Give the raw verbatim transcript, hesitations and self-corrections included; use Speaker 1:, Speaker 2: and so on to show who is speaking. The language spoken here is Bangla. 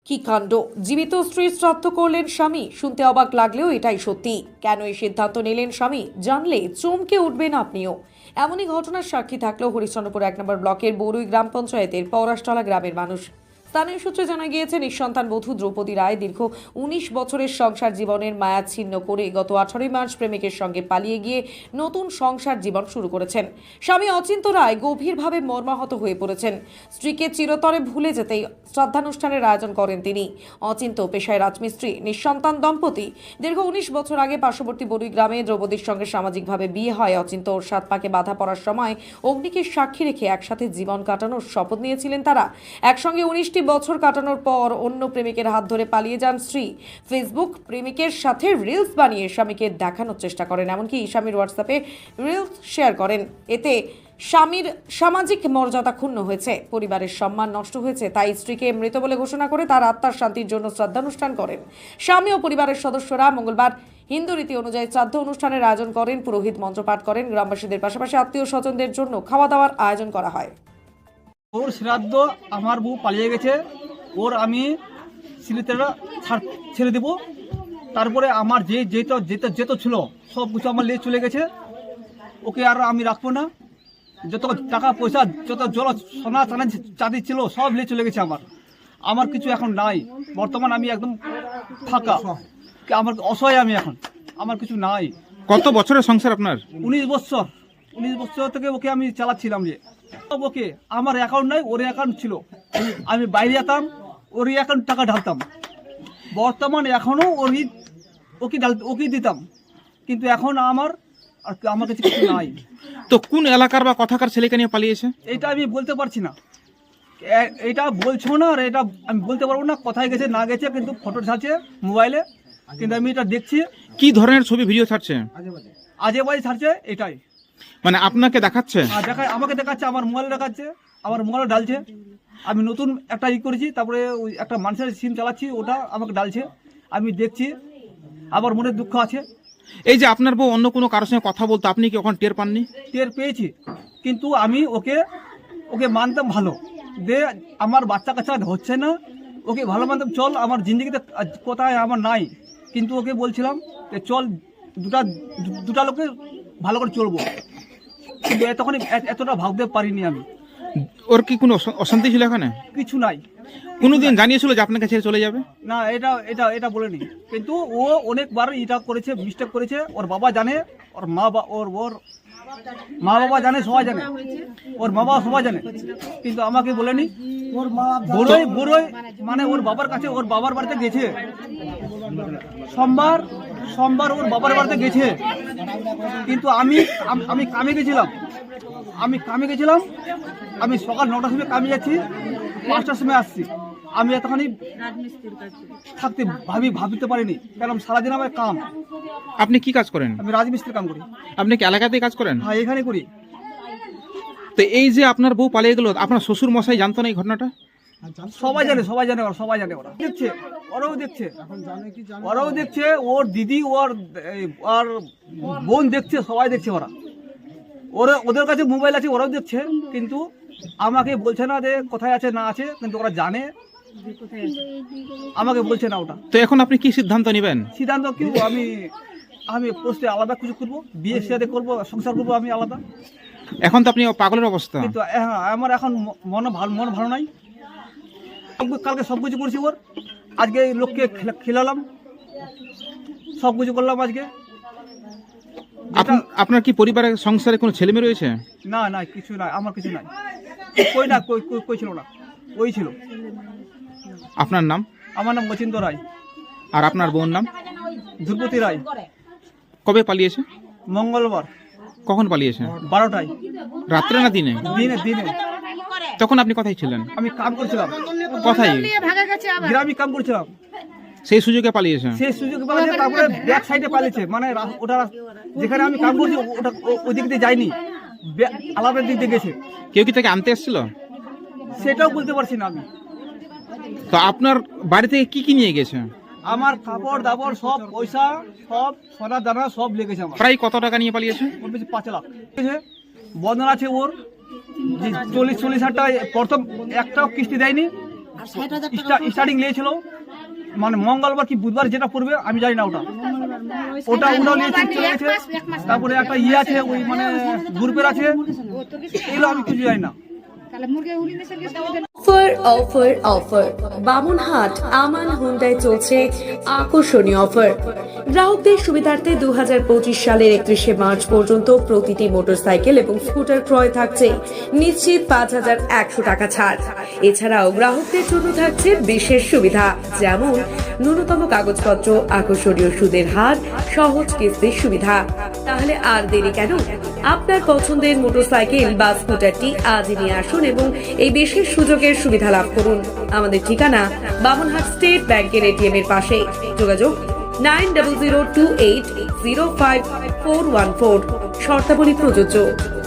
Speaker 1: কি কাণ্ড! জীবিত স্ত্রীর শ্রাদ্ধ করলেন স্বামী। শুনতে অবাক লাগলেও এটাই সত্যি। কেন এই সিদ্ধান্ত নিলেন স্বামী জানলে চমকে উঠবেন আপনিও। এমনই ঘটনার সাক্ষী থাকলেও হরিশ্চন্দ্রপুর এক নম্বর ব্লকের বড়ুই গ্রাম পঞ্চায়েতের পৌরাষ্টলা গ্রামের মানুষ। স্থানীয় সূত্রে জানা গিয়েছে, নিঃসন্তান বধূ দ্রৌপদী রায় দীর্ঘ উনিশ বছরের সংসার জীবনের মায়া ছিন্ন করে গত আঠারোই মার্চ প্রেমিকের সঙ্গে পালিয়ে গিয়ে নতুন সংসার জীবন শুরু করেছেন। স্বামী অচিন্ত রায় গভীরভাবে মর্মাহত হয়ে পড়েছেন। স্ত্রীকে চিরতরে ভুলে যেতেই শ্রদ্ধানুষ্ঠানের আয়োজন করেন তিনি। অচিন্ত পেশায় রাজমিস্ত্রি, নিঃসন্তান দম্পতি। দীর্ঘ উনিশ বছর আগে পার্শ্ববর্তী বড়ুই গ্রামে দ্রৌপদীর সঙ্গে সামাজিকভাবে বিয়ে হয়। অচিন্ত ওর সাত পাকে বাধা পড়ার সময় অগ্নিকে সাক্ষী রেখে একসাথে জীবন কাটানোর শপথ নিয়েছিলেন তারা। একসঙ্গে উনিশটি বছর কাটানোর পর অন্য প্রেমিকের হাত ধরে পালিয়ে যান স্ত্রী। ফেসবুক প্রেমিকের সাথে রিলস বানিয়ে স্বামীকে দেখানোর চেষ্টা করেন, এমনকি স্বামীর হোয়াটসঅ্যাপে রিলস শেয়ার করেন। এতে স্বামীর সামাজিক মর্যাদা ক্ষুণ্ণ হয়েছে, পরিবারের সম্মান নষ্ট হয়েছে। তাই স্ত্রীকে মৃত বলে ঘোষণা করে তার আত্মার শান্তির জন্য শ্রাদ্ধানুষ্ঠান করেন। স্বামী ও পরিবারের সদস্যরা মঙ্গলবার হিন্দু রীতি অনুযায়ী শ্রাদ্ধ অনুষ্ঠানের আয়োজন করেন। পুরোহিত মন্ত্রপাঠ করেন। গ্রামবাসীদের পাশাপাশি আত্মীয় স্বজনদের জন্য খাওয়া দাওয়ার আয়োজন করা হয়।
Speaker 2: ওর শ্রাদ্ধ আমার বউ পালিয়ে গেছে, ওর আমি স্মৃতিটা ছেড়ে দেবো। তারপরে আমার যে যেত যেত যেত ছিল সব কিছু আমার নিয়ে চলে গেছে। ওকে আর আমি রাখবো না। যত টাকা পয়সা, যত জল সোনা চানা চাঁদি ছিল সব নিয়ে চলে গেছে। আমার আমার কিছু এখন নাই। বর্তমান আমি একদম ফাঁকা, আমার অসহায় আমি এখন, আমার কিছু নাই।
Speaker 3: কত বছরের সংসার আপনার?
Speaker 2: উনিশ বছর উনিশ বছর থেকে ওকে আমি চালাচ্ছিলাম। যে ওকে আমার অ্যাকাউন্ট নাই, ওর অ্যাকাউন্ট ছিল। আমি বাইরে যেতাম, ওর অ্যাকাউন্ট টাকা ঢালতাম। বর্তমান এখনও ওরই ওকে ঢাল ওকে দিতাম, কিন্তু এখন আমার আর আমার কাছে কিছু নাই।
Speaker 3: তো কোন এলাকার বা কথাকার ছেলেকে নিয়ে পালিয়েছে?
Speaker 2: এটা আমি বলতে পারছি না। এ- এটা বলছো না, আর এটা আমি বলতে পারবো না কোথায় গেছে না গেছে, কিন্তু ফটো ছাড়ছে মোবাইলে, কিন্তু আমি এটা দেখছি।
Speaker 3: কি ধরনের ছবি ভিডিও ছাড়ছে?
Speaker 2: আজে বাজে ছাড়ছে, এটাই।
Speaker 3: মানে আপনাকে দেখাচ্ছে?
Speaker 2: আর দেখায়, আমাকে দেখাচ্ছে, আমার মোবাইল দেখাচ্ছে, আমার মোবাইল ডালছে। আমি নতুন একটা ই করেছি, তারপরে ওই একটা মানুষের সিম চালাচ্ছি, ওটা আমাকে ডালছে, আমি দেখছি। আবার মনে দুঃখ আছে।
Speaker 3: এই যে আপনার বউ অন্য কোনো কারোর সঙ্গে কথা বলতো, আপনি কি ওখানে টের পাননি?
Speaker 2: টের পেয়েছি, কিন্তু আমি ওকে ওকে মানতাম ভালো। দে আমার বাচ্চা কাচ্চা হচ্ছে না, ওকে ভালো মানতাম। চল আমার জিন্দগিতে কোথায় আমার নাই, কিন্তু ওকে বলছিলাম যে চল দুটা দু- দুটা লোকে ভালো করে চলবো, কিন্তু তখন এতটা ভাবতে পারিনি আমি।
Speaker 3: ওর কি কোনো অশা- অশান্তি ছিল এখানে?
Speaker 2: কিছু নাই।
Speaker 3: কোনোদিন জানিয়েছিল যে আপনাকে ছেড়ে চলে যাবে?
Speaker 2: না, এটা এটা এটা বলেনি, কিন্তু ও অনেকবার এটা করেছে, মিস্টেক করেছে। ওর বাবা জানে, ওর মা বা ওর ওর মা বাবা জানে, সবাই জানে, ওর মা বাবা সবাই জানে, কিন্তু আমাকে বলেনি। বড়ই বড়ই মানে ওর বাবার কাছে, ওর বাবার বাড়িতে গেছে সোমবার সোমবার ওর বাবার বাড়িতে গেছে, কিন্তু আমি আম- আমি কামে গেছিলাম আমি কামে গেছিলাম আমি সকাল নটার সময় কামে যাচ্ছি, পাঁচটার সময় আসছি। আমি এতখানি থাকতে ভাবি ভাবিতে পারিনি, কারণ সারাদিন আমার কাম।
Speaker 3: আপনি কি কাজ করেন?
Speaker 2: আমি রাজমিস্ত্রির কাম করি।
Speaker 3: আপনি কি এলাকাতেই কাজ করেন?
Speaker 2: হ্যাঁ, এখানে করি।
Speaker 3: তো এই যে আপনার বউ পালিয়ে গেল, আপনার শ্বশুর মশাই জানতো না এই ঘটনাটা?
Speaker 2: সবাই জানে, সবাই জানে, ওরা সবাই জানে, ওরা দেখছে, ওরাও দেখছে, ওরাও দেখছে, ওর দিদি, ওর এই, ওর বোন দেখছে, সবাই দেখছে। ওরা ওরা ওদের কাছে মোবাইল আছে, ওরাও দেখছে, কিন্তু আমাকে বলছে না যে কোথায় আছে না আছে, কিন্তু ওরা জানে, আমাকে বলছে না ওটা।
Speaker 3: তো এখন আপনি কি সিদ্ধান্ত নেবেন?
Speaker 2: সিদ্ধান্ত কি, আমি আমি পোস্টে আলাদা কিছু করবো, বিয়ে সাথে করবো, সংসার করবো আমি আলাদা।
Speaker 3: এখন তো আপনি পাগলের অবস্থা।
Speaker 2: কিন্তু হ্যাঁ, আমার এখন ম- মন ভালো মন ভালো নাই। কালকে সব কিছু করছি ওর, আজকে এই লোককে খেলা- খেলালাম, সব কিছু করলাম আজকে।
Speaker 3: আপন- আপনার কি পরিবারের সংসারে কোনো ছেলে মেয়ে রয়েছে?
Speaker 2: না না, কিছু নাই, আমার কিছু নাই। কই না, কই কই- কই ছিল না, ওই ছিল।
Speaker 3: আপনার নাম?
Speaker 2: আমার নাম অচিন্ত রায়।
Speaker 3: আর আপনার বোন নাম?
Speaker 2: ধ্রুপতি রায়।
Speaker 3: কবে পালিয়েছে?
Speaker 2: মঙ্গলবার
Speaker 3: কখন পালিয়েছে?
Speaker 2: বারোটায়,
Speaker 3: রাত্রে না দিনে?
Speaker 2: দিনে দিনে।
Speaker 3: তখন আপনি কোথায় ছিলেন?
Speaker 2: আমি কাম করছিলাম,
Speaker 3: কোথায়?
Speaker 2: গ্রামে কাম করছিলাম।
Speaker 3: সেই সুযোগে পালিয়েছে?
Speaker 2: সেই সুযোগ পালিয়েছে, তারপরে ব্যাক সাইডে পালিয়েছে, মানে রা- ওটা যেখানে আমি কাম করছি ওটা ও- ওই দিক দিয়ে যায়নি, ব্যাক- আলাদা দিক দিয়ে গেছে।
Speaker 3: কেউ কি তাকে আনতে এসেছিল?
Speaker 2: সেটাও বলতে পারছি না আমি।
Speaker 3: তো আপনার বাড়ি থেকে কি কি নিয়ে গেছে?
Speaker 2: আমার কাপড় দাপড় সব, পয়সা সব, সোনা দানা সব লেগেছে আমার।
Speaker 3: প্রায় কত টাকা নিয়ে পালিয়েছে?
Speaker 2: ওর বেশি পাঁচ লাখ ঠিক আছে। বন্ধন আছে ওর যে চল্লিশ চল্লিশ হাজার টাকা, প্রথম একটাও কিস্তি দেয়নি, স্টার্টিং নিয়েছিল, মানে মঙ্গলবার কি বুধবার যেটা পড়বে আমি জানি না, ওটা ওটা ওটাও নিয়ে চলে গেছে। তারপরে একটা ইয়ে আছে ওই মানে গ্রুপের আছে, এগুলো আমি কিছু জানি না।
Speaker 1: Offer offer offer Bamunhat Aman Hyundai চলছে আকর্ষণীয় অফার। গ্রাহকদের সুবিধার্থে দু হাজার পঁচিশ সালের একত্রিশে মার্চ পর্যন্ত প্রতিটি মোটরসাইকেল এবং স্কুটার ক্রয় থাকছে নিশ্চিত পাঁচ হাজার একশো টাকা ছাড়। এছাড়াও গ্রাহকদের জন্য থাকছে বিশেষ সুবিধা, যেমন ন্যূনতম কাগজপত্র, আকর্ষণীয় সুদের হার, সহজ কিস্তির সুবিধা। তাহলে আর দেরি কেন? আপনার পছন্দের মোটরসাইকেল বা স্কুটারটি আজই নিয়ে আসুন এবং এই বিশেষ সুযোগের সুবিধা লাভ করুন। আমাদের ঠিকানা বামুনহাট স্টেট ব্যাংকের এটিএম এর পাশে। যোগাযোগ nine double zero two eight zero five four one four. শর্তাবলী প্রযোজ্য।